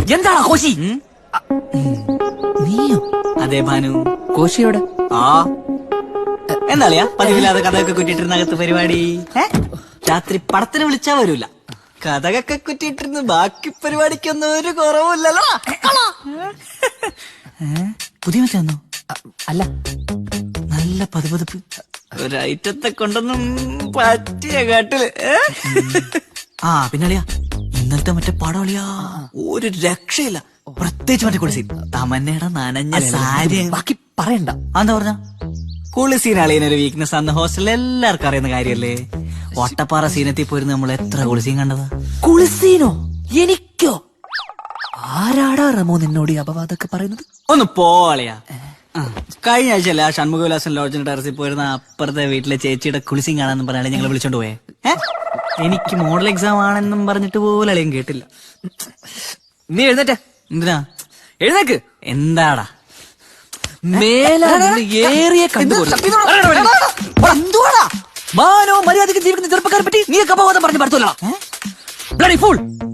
എന്താടാ കോശി? നീയോ? അതെ ഭാനു. കോശിയോടെ? ആ എന്താളിയാ പതിവില്ലാതെ കഥയൊക്കെ കുറ്റിട്ടിരുന്ന അകത്ത് പരിപാടി? രാത്രി പടത്തിന് വിളിച്ചാ വരൂല. കഥകൊക്കെ കുറ്റിട്ടിരുന്ന് ബാക്കി പരിപാടിക്കൊന്നും ഒരു കുറവില്ലല്ലോ. പുതിയ മറ്റാന്നോ? അല്ല, നല്ല പതുപതുപ്പ്. ഒരൈറ്റത്തെ കൊണ്ടൊന്നും പറ്റിയ കാട്ടില്. ആ പിന്നളിയാ ഇന്നലത്തെ മറ്റേ പടവളിയാ ഒരു രക്ഷയില്ല. പ്രത്യേകിച്ച് മറ്റേ കുളിസീൻ തമന്നയുടെ നനഞ്ഞ സാരി. ബാക്കി പറയണ്ട. എന്താ പറഞ്ഞ കുളിസീൻ അളിയനൊരു വീക്ക്നെസ് ആണെന്ന് ഹോസ്റ്റലിൽ എല്ലാവർക്കും അറിയുന്ന കാര്യല്ലേ. ഒട്ടപ്പാറ സീനത്തിൽ പോയിരുന്നു നമ്മൾ എത്ര കുളിസീൻ കണ്ടതാ. കുളിസീനോ? എനിക്കോ? ആരാടാ റമോ നിന്നോട് ഈ അപവാദമൊക്കെ പറയുന്നത്? ഒന്ന് പോളിയാ. കഴിഞ്ഞ ആഴ്ചയല്ല ഷൺമുഖവിലാസൻ ലോഡ്ജിന്റെ ടെറസിൽ പോയിരുന്ന അപ്പുറത്തെ വീട്ടിലെ ചേച്ചിയുടെ കുളിസീൻ കാണാന്നും പറഞ്ഞാൽ ഞങ്ങൾ വിളിച്ചോണ്ട് പോയേ. എനിക്ക് മോഡൽ എക്സാം ആണെന്നും പറഞ്ഞിട്ട് പോലും അളിയും കേട്ടില്ല. നീ എഴുന്നേറ്റ. എന്തിനാ? എഴുന്നേക്ക്. എന്താടാ ഏറിയ എന്തുവാടാ മാനോ മര്യാദക്ക് ജീവിക്കുന്ന ചെറുപ്പക്കാരെ പറ്റി നീ അപവാദം പറഞ്ഞു പറ്റൂല. Bloody fool.